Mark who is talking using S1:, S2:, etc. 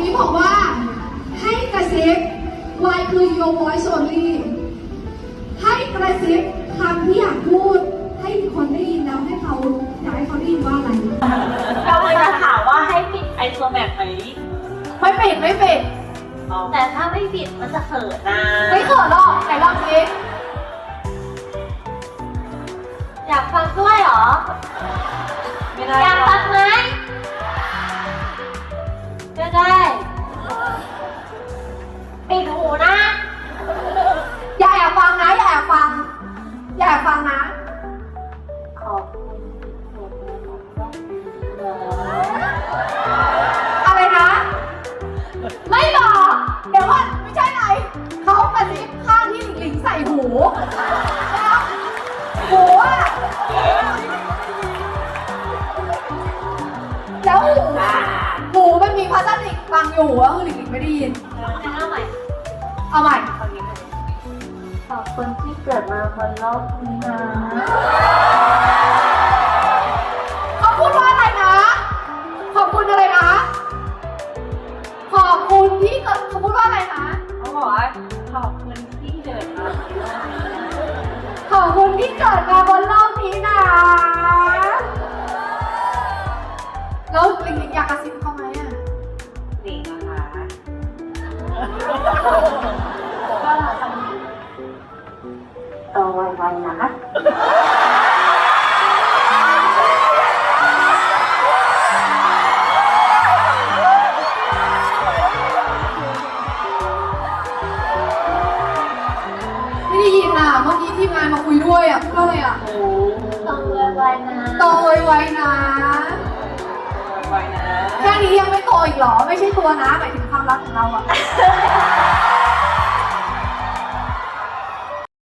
S1: นี้บอกว่าให้กระซิบ Y คือ your voice only ให้กระซิบคำที่อยากพูดให้คนได้ยินแล้วให้เขาอยากให้เขาได้ยินว่าอะไร
S2: เราเลยจะถามว่าให้ปิดไอตัวแมปไหม
S1: ไม่ปิดไม่ปิด
S2: แต่ถ้าไม่ปิดมันจะเขินนะ
S1: ไม่เขินหรอกไหนลองสิ
S2: อยากฟังด้วยเหรอ
S3: ไม่ได้
S2: อยากฟังไหมก็ได้ปิดหูนะ
S1: อย่าแอบฟังนะอย่าแอบฟังอย่าแอบฟังนะ
S2: ขอบคุณที่เกิดมาของเรา
S1: อะไรนะ ไม่บอกเดี๋ยวก่อนไม่ใช่ไรเขากระซิบข้างที่หลิงใส่หูแล้วหูอะแล้วหูมันมีพลาสติกบังอยู่อะคือหลิงไม่ได้ยิน
S2: เอาใหม่
S1: เอาใหม่
S2: ขอบคุณที่เกิดมาบนโลกนี้นะ
S1: เขาพูดว่าอะไรนะ ขอบคุณอะไรนะ ขอบคุณที่เกิดเขาพูดว่าอะไรนะ
S3: เขาบอกว่าขอบคุณที่เกิดมา
S1: ขอบคุณที่เกิดมาบนโลกนี้นะแล้วหลิงอยากกระซิบเขาไหมอะ
S3: หนิงนะคะ
S2: ก็ทำโตไวๆนะ
S1: ไม่ได้ยินอ่ะเมื่อกี้ทีมงานมาคุยด้วยอ่ะพูดว่าอะไรอ่ะ
S2: โตไวๆนะ
S1: โตไวๆนะ
S3: ไว้นะ
S1: แค่นี้ยังไม่โตอีกเหรอ ไม่ใช่ตัวนะหมายถึงความรักของเราอ่ะ